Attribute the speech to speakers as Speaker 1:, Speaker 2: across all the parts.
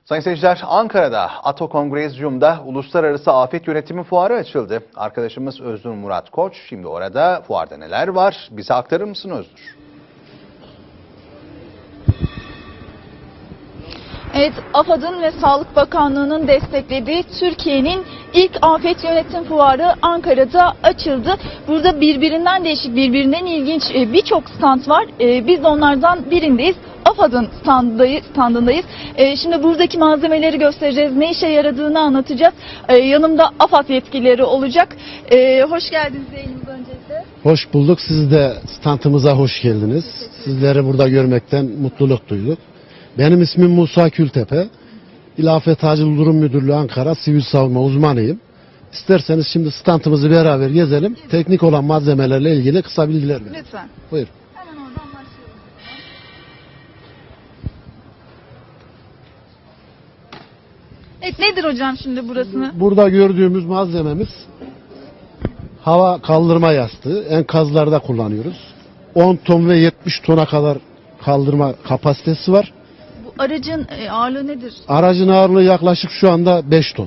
Speaker 1: Sayın seyirciler, Ankara'da Ato Kongrezyum'da Uluslararası Afet Yönetimi Fuarı açıldı. Arkadaşımız Öznur Murat Koç şimdi orada, fuarda neler var bize aktarır mısın Öznur?
Speaker 2: Evet, AFAD'ın ve Sağlık Bakanlığı'nın desteklediği Türkiye'nin ilk afet yönetim fuarı Ankara'da açıldı. Burada birbirinden değişik, birbirinden ilginç birçok stand var. Biz de onlardan birindeyiz. AFAD'ın standındayız. Şimdi buradaki malzemeleri göstereceğiz. Ne işe yaradığını anlatacağız. Yanımda AFAD yetkilileri olacak. Hoş geldiniz yayınımıza öncelikle.
Speaker 3: Hoş bulduk. Siz de standımıza hoş geldiniz. Sizleri burada görmekten mutluluk duyduk. Benim ismim Musa Kültepe. İl Afet Acil Durum Müdürlüğü Ankara Sivil Savunma uzmanıyım. İsterseniz şimdi standımızı beraber gezelim. Teknik olan malzemelerle ilgili kısa bilgiler verelim.
Speaker 2: Lütfen.
Speaker 3: Buyur.
Speaker 2: Hemen oradan başlayalım. Evet, nedir hocam şimdi burasını?
Speaker 3: Burada gördüğümüz malzememiz hava kaldırma yastığı. Enkazlarda kullanıyoruz. 10 ton ve 70 tona kadar kaldırma kapasitesi var.
Speaker 2: Bu aracın ağırlığı nedir?
Speaker 3: Aracın ağırlığı yaklaşık şu anda 5 ton.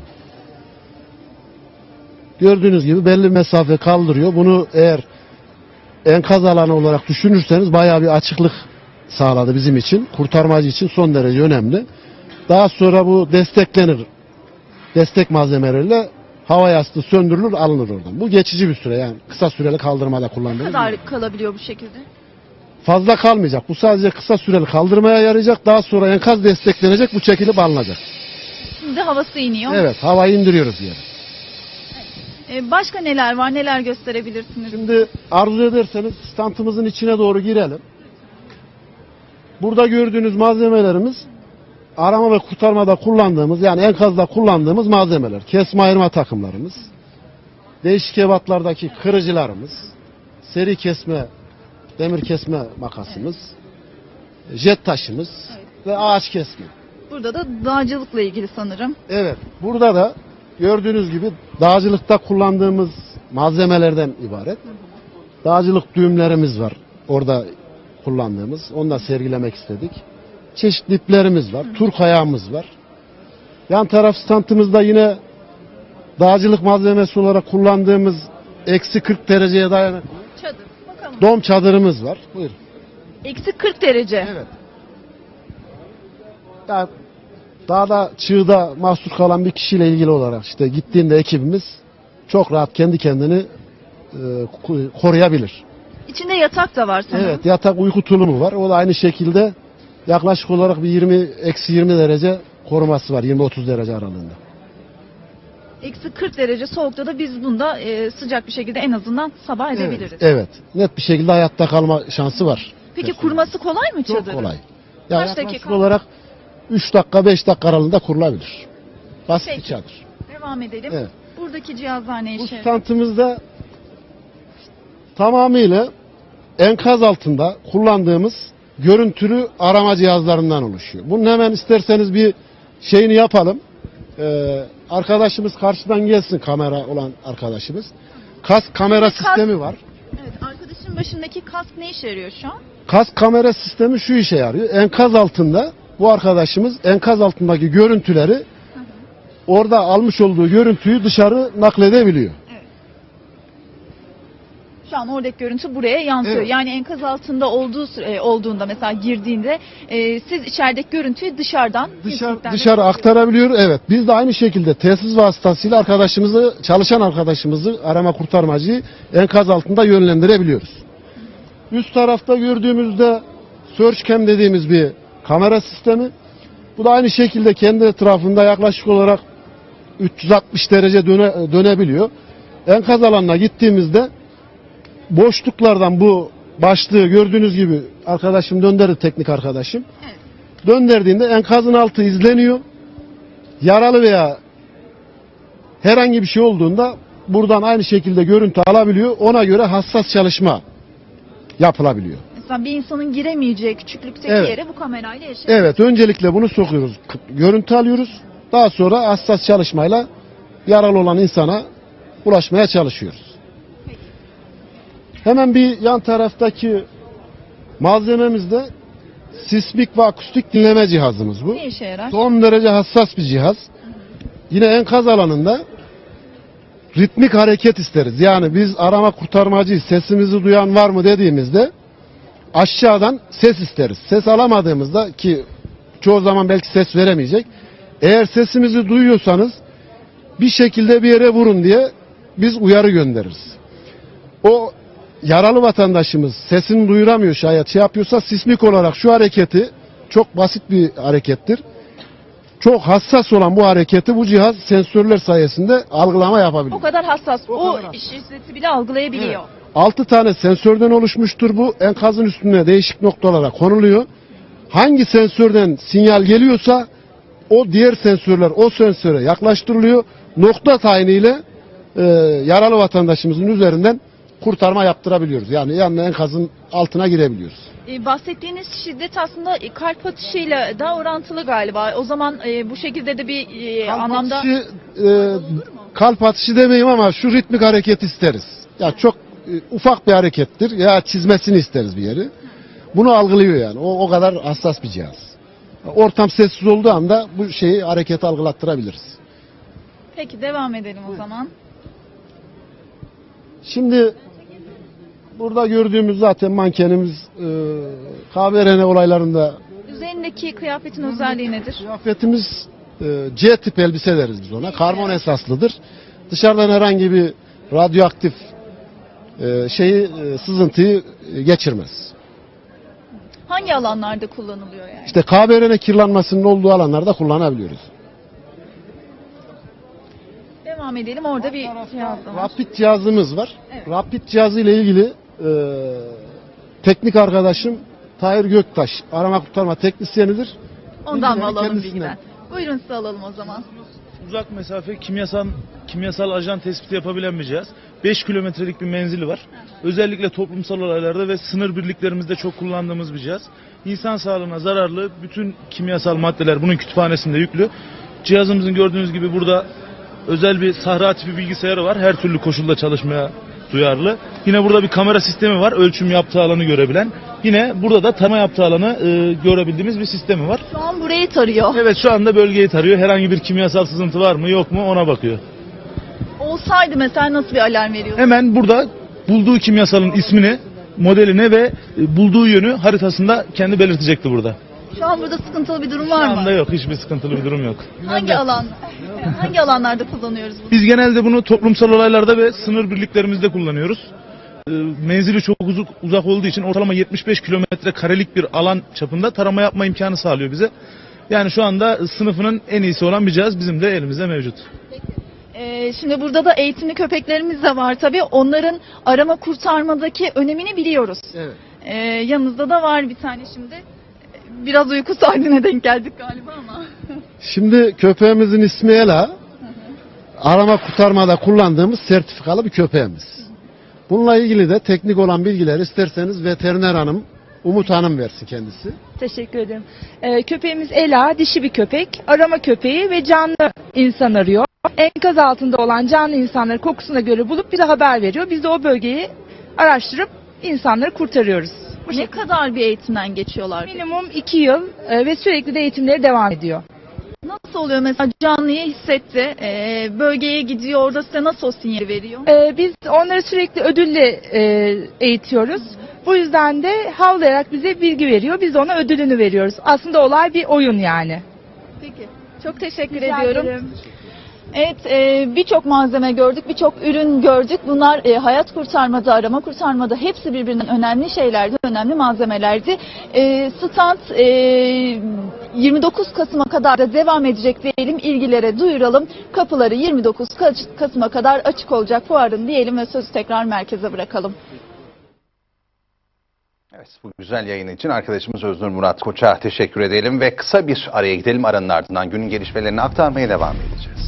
Speaker 3: Gördüğünüz gibi belli mesafe kaldırıyor. Bunu eğer enkaz alanı olarak düşünürseniz bayağı bir açıklık sağladı bizim için. Kurtarmacı için son derece önemli. Daha sonra bu desteklenir. Destek malzemeleriyle hava yastığı söndürülür, alınır oradan. Bu geçici bir süre, yani kısa süreli kaldırmada
Speaker 2: Ne
Speaker 3: kullanılıyor.
Speaker 2: kadar kalabiliyor bu şekilde?
Speaker 3: Fazla kalmayacak. Bu sadece kısa süreli kaldırmaya yarayacak. Daha sonra enkaz desteklenecek, bu çekilip alınacak.
Speaker 2: Şimdi havası iniyor.
Speaker 3: Evet, havayı indiriyoruz yere.
Speaker 2: Başka neler var? Neler gösterebilirsiniz?
Speaker 3: Şimdi arzu ederseniz standımızın içine doğru girelim. Burada gördüğünüz malzemelerimiz arama ve kurtarmada kullandığımız, yani enkazda kullandığımız malzemeler. Kesme ayırma takımlarımız, değişik ebatlardaki kırıcılarımız, seri kesme, demir kesme makasımız, jet taşımız ve ağaç kesme.
Speaker 2: Burada da dağcılıkla ilgili sanırım.
Speaker 3: Evet, burada da gördüğünüz gibi dağcılıkta kullandığımız malzemelerden ibaret. Dağcılık düğümlerimiz var orada kullandığımız. Onu da sergilemek istedik. Çeşitli iplerimiz var. Turk ayağımız var. Yan taraf standımızda yine dağcılık malzemesi olarak kullandığımız eksi 40 dereceye dayanıklı
Speaker 2: Çadır. Bakalım.
Speaker 3: dom çadırımız var. Buyurun.
Speaker 2: Eksi 40 derece.
Speaker 3: Evet. Ya, dağda, çığda mahsur kalan bir kişiyle ilgili olarak işte gittiğinde ekibimiz çok rahat kendi kendini koruyabilir.
Speaker 2: İçinde yatak da var sanırım.
Speaker 3: Evet, yatak uyku tulumu var. O da aynı şekilde yaklaşık olarak bir eksi 20 derece koruması var. 20-30 derece aralığında.
Speaker 2: Eksi 40 derece soğukta da biz bunda sıcak bir şekilde en azından sabah edebiliriz.
Speaker 3: Evet. Net bir şekilde hayatta kalma şansı var.
Speaker 2: Peki kurması kolay mı
Speaker 3: Çok
Speaker 2: çadırı?
Speaker 3: kolay. Yani
Speaker 2: Kaç
Speaker 3: yaklaşık
Speaker 2: dakika?
Speaker 3: olarak 3 dakika 5 dakika aralığında kurulabilir. Basit
Speaker 2: Peki.
Speaker 3: bir çadır.
Speaker 2: Devam edelim.
Speaker 3: Evet.
Speaker 2: Buradaki cihazlar ne
Speaker 3: Bu
Speaker 2: işe?
Speaker 3: standımızda tamamıyla enkaz altında kullandığımız görüntülü arama cihazlarından oluşuyor. Bunun hemen isterseniz bir şeyini yapalım. Arkadaşımız karşıdan gelsin, kamera olan arkadaşımız. Kask kamera sistemi var.
Speaker 2: Evet, arkadaşın başındaki kask ne işe yarıyor şu an?
Speaker 3: Kask kamera sistemi şu işe yarıyor. Enkaz altında bu arkadaşımız enkaz altındaki görüntüleri orada almış olduğu görüntüyü dışarı nakledebiliyor.
Speaker 2: Şu an oradaki görüntü buraya yansıyor.
Speaker 3: Evet.
Speaker 2: Yani enkaz altında olduğunda mesela girdiğinde siz içerideki görüntüyü dışarıdan
Speaker 3: Dışarı aktarabiliyor. Evet. Biz de aynı şekilde telsiz vasıtasıyla çalışan arkadaşımızı, arama kurtarmacıyı enkaz altında yönlendirebiliyoruz. Üst tarafta gördüğümüzde searchcam dediğimiz bir kamera sistemi. Bu da aynı şekilde kendi etrafında yaklaşık olarak 360 derece dönebiliyor. Enkaz alanına gittiğimizde boşluklardan bu başlığı gördüğünüz gibi arkadaşım döndürdü, teknik arkadaşım.
Speaker 2: Evet.
Speaker 3: Döndürdüğünde enkazın altı izleniyor. Yaralı veya herhangi bir şey olduğunda buradan aynı şekilde görüntü alabiliyor. Ona göre hassas çalışma yapılabiliyor.
Speaker 2: Mesela bir insanın giremeyeceği küçüklükteki
Speaker 3: Evet.
Speaker 2: yere bu kamerayla erişebiliyor.
Speaker 3: Evet, öncelikle bunu sokuyoruz. Görüntü alıyoruz. Daha sonra hassas çalışmayla yaralı olan insana ulaşmaya çalışıyoruz. Hemen bir yan taraftaki malzememizde sismik ve akustik dinleme cihazımız bu.
Speaker 2: Ne işe yarar?
Speaker 3: Son derece hassas bir cihaz. Yine enkaz alanında ritmik hareket isteriz. Yani biz arama kurtarmacıyız, sesimizi duyan var mı dediğimizde aşağıdan ses isteriz. Ses alamadığımızda, ki çoğu zaman belki ses veremeyecek, eğer sesimizi duyuyorsanız bir şekilde bir yere vurun diye biz uyarı göndeririz. O yaralı vatandaşımız sesini duyuramıyor, şayet şey yapıyorsa, sismik olarak şu hareketi, çok basit bir harekettir, çok hassas olan bu hareketi bu cihaz sensörler sayesinde algılama yapabiliyor.
Speaker 2: O kadar hassas.
Speaker 3: O
Speaker 2: O
Speaker 3: kadar hassas.
Speaker 2: şiddeti bile algılayabiliyor.
Speaker 3: Evet. 6 tane sensörden oluşmuştur bu. Enkazın üstüne değişik noktalara konuluyor. Hangi sensörden sinyal geliyorsa o diğer sensörler o sensöre yaklaştırılıyor. Nokta tayiniyle yaralı vatandaşımızın üzerinden kurtarma yaptırabiliyoruz. Yani enkazın altına girebiliyoruz.
Speaker 2: Bahsettiğiniz şiddet aslında kalp atışıyla da orantılı galiba. O zaman bu şekilde de bir anlamda...
Speaker 3: Kalp atışı demeyeyim ama şu ritmik hareket isteriz. Ya çok ufak bir harekettir. Ya çizmesini isteriz bir yeri. Bunu algılıyor yani. O kadar hassas bir cihaz. Ortam sessiz olduğu anda bu şeyi, hareketi algılattırabiliriz.
Speaker 2: Peki devam edelim o zaman.
Speaker 3: Şimdi burada gördüğümüz zaten mankenimiz kahverene olaylarında.
Speaker 2: Üzerindeki kıyafetin özelliği nedir?
Speaker 3: Kıyafetimiz C tip elbise deriz biz ona. Karbon esaslıdır. Dışarıdan herhangi bir radyoaktif sızıntıyı geçirmez.
Speaker 2: Hangi alanlarda kullanılıyor yani?
Speaker 3: İşte kahverene kirlenmesinin olduğu alanlarda kullanabiliyoruz.
Speaker 2: Devam edelim. Orada bir cihaz da var.
Speaker 3: Rapid cihazımız var.
Speaker 2: Evet.
Speaker 3: Rapid cihazı ile ilgili teknik arkadaşım Tahir Göktaş, arama kurtarma teknisyenidir.
Speaker 2: Ondan mı
Speaker 3: Bilgileri
Speaker 2: alalım
Speaker 3: kendisinden.
Speaker 2: bilgiden? Buyurun size alalım o zaman.
Speaker 4: Uzak mesafe kimyasal ajan tespiti yapabilen bir cihaz. 5 kilometrelik bir menzili var. Özellikle toplumsal olaylarda ve sınır birliklerimizde çok kullandığımız bir cihaz. İnsan sağlığına zararlı bütün kimyasal maddeler bunun kütüphanesinde yüklü. Cihazımızın gördüğünüz gibi burada özel bir sahra tipi bilgisayarı var. Her türlü koşulda çalışmaya duyarlı. Yine burada bir kamera sistemi var. Ölçüm yaptığı alanı görebilen. Yine burada da tarama yaptığı alanı görebildiğimiz bir sistemi var.
Speaker 2: Şu an burayı tarıyor.
Speaker 4: Evet, şu anda bölgeyi tarıyor. Herhangi bir kimyasal sızıntı var mı yok mu ona bakıyor.
Speaker 2: Olsaydı mesela nasıl bir alarm veriyordu?
Speaker 4: Hemen burada bulduğu kimyasalın ismini, modelini ve bulduğu yönü haritasında kendi belirtecekti burada.
Speaker 2: Şu an burada sıkıntılı bir durum
Speaker 4: Şu
Speaker 2: var
Speaker 4: anda
Speaker 2: mı?
Speaker 4: yok, hiçbir sıkıntılı bir durum yok.
Speaker 2: Hangi alanlarda kullanıyoruz bunu?
Speaker 4: Biz genelde bunu toplumsal olaylarda ve sınır birliklerimizde kullanıyoruz. Menzili çok uzak olduğu için ortalama 75 kilometre karelik bir alan çapında tarama yapma imkanı sağlıyor bize. Yani şu anda sınıfının en iyisi olan bir cihaz bizim de elimizde mevcut.
Speaker 2: Şimdi burada da eğitimli köpeklerimiz de var tabii. Onların arama kurtarmadaki önemini biliyoruz.
Speaker 3: Evet.
Speaker 2: Yanımızda da var bir tane şimdi. Biraz uyku saatine denk geldik galiba ama.
Speaker 3: Şimdi köpeğimizin ismi Ela. Arama kurtarmada kullandığımız sertifikalı bir köpeğimiz. Bununla ilgili de teknik olan bilgileri isterseniz veteriner hanım, Umut Hanım versin kendisi.
Speaker 5: Teşekkür ederim. Köpeğimiz Ela, dişi bir köpek. Arama köpeği ve canlı insan arıyor. Enkaz altında olan canlı insanları kokusuna göre bulup bize haber veriyor. Biz de o bölgeyi araştırıp insanları kurtarıyoruz.
Speaker 2: Ne kadar bir eğitimden geçiyorlar?
Speaker 5: Minimum 2 yıl ve sürekli de eğitimleri devam ediyor.
Speaker 2: Nasıl oluyor mesela canlıyı hissetti, bölgeye gidiyor, orada size nasıl o sinyali veriyor?
Speaker 5: Biz onları sürekli ödülle eğitiyoruz. Bu yüzden de havlayarak bize bilgi veriyor. Biz de ona ödülünü veriyoruz. Aslında olay bir oyun yani.
Speaker 2: Peki, çok teşekkür
Speaker 5: Rica
Speaker 2: ediyorum.
Speaker 5: ederim.
Speaker 2: Evet, birçok malzeme gördük, birçok ürün gördük. Bunlar hayat kurtarmada, arama kurtarmada hepsi birbirinden önemli şeylerdi, önemli malzemelerdi. Stand 29 Kasım'a kadar da devam edecek diyelim, ilgilere duyuralım. Kapıları 29 Kasım'a kadar açık olacak fuarın diyelim ve sözü tekrar merkeze bırakalım.
Speaker 1: Evet, bu güzel yayın için arkadaşımız Öznur Murat Koç'a teşekkür edelim ve kısa bir araya gidelim. Aranın ardından günün gelişmelerini aktarmaya devam edeceğiz.